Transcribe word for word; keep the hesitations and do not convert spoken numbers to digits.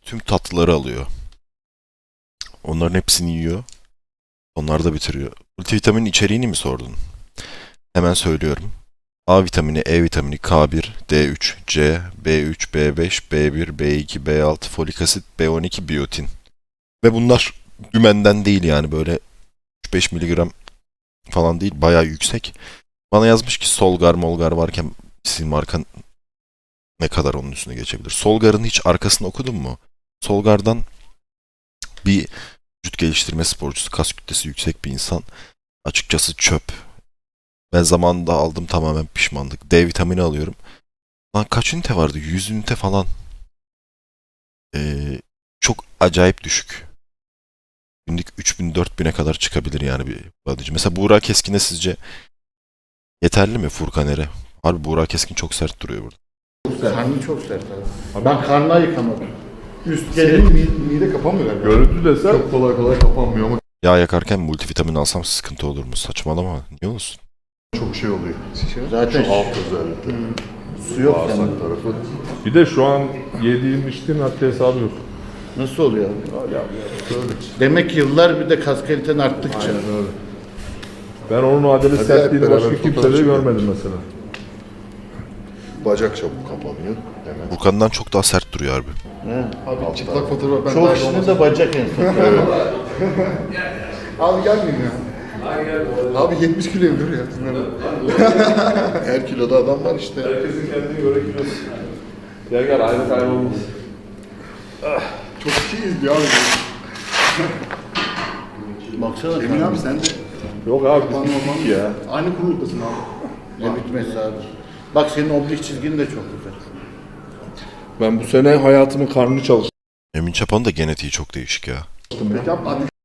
tüm tatlıları alıyor. Onların hepsini yiyor. Onlar da bitiriyor. Multivitaminin içeriğini mi sordun? Hemen söylüyorum. A vitamini, E vitamini, K bir, D üç, C, B üç, B beş, B bir, B iki, B altı, folik asit, B on iki, biyotin. Ve bunlar dümenden değil yani böyle üç beş miligram falan değil, bayağı yüksek. Bana yazmış ki Solgar Molgar varken sizin markan ne kadar onun üstüne geçebilir? Solgar'ın hiç arkasını okudun mu? Solgar'dan bir vücut geliştirme sporcusu, kas kütlesi yüksek bir insan. Açıkçası çöp. Ben zamanında aldım, tamamen pişmanlık. D vitamini alıyorum. Lan kaç ünite vardı? yüz ünite falan. Ee, çok acayip düşük. Günlük üç bin dört bin'e kadar çıkabilir yani bir bodyci. Mesela Buğra Keskin'e sizce yeterli mi Furkaner'e? Harbi Buğra Keskin çok sert duruyor burada. Karnı çok sert abi. Ben karnı ayıkamadım. Üst Senin gelir. mide, mide kapanmıyor galiba. Görüntü desem Çok kolay kolay kapanmıyor ama Yağ yakarken multivitamin alsam sıkıntı olur mu? Saçmalama. Niye olsun? çok şey oluyor. Zaten Şu alt özellikle. su yok Bağırsak yani. tarafı. bir de şu an yediğin içtiğin haddi hesabı yok. Nasıl oluyor abi? Demek ki yıllar bir de kas kaliten arttıkça. Öyle. Ben onun adeli Hadi sertliğini hep başka beraber kimsede fotoğraf çekelim. görmedim mesela. Bacak çabuk kapanıyor. Hemen. Furkan'dan çok daha sert duruyor harbi. Abi çıplak fotoğraf ben Çok dahil kişinin olmasın. de bacak en son. Abi gelmeyin ya. Abi yetmiş kiloyum dur ya. Her kiloda adam var işte. Herkesin kendine göre kilosu. Gel gel aynı kaybolmaz. Çok kişi izliyor abi. Baksana Emin karnı. abi sen de Yok abi biz bittik ya. aynı kuruluktasın abi. Ne bitmesi abi. Bak senin oblik çizgin de çok güzel. Ben bu sene hayatımın karnını çalıştım. Emin Çapan'ın da genetiği çok değişik ya. Peki abi hadi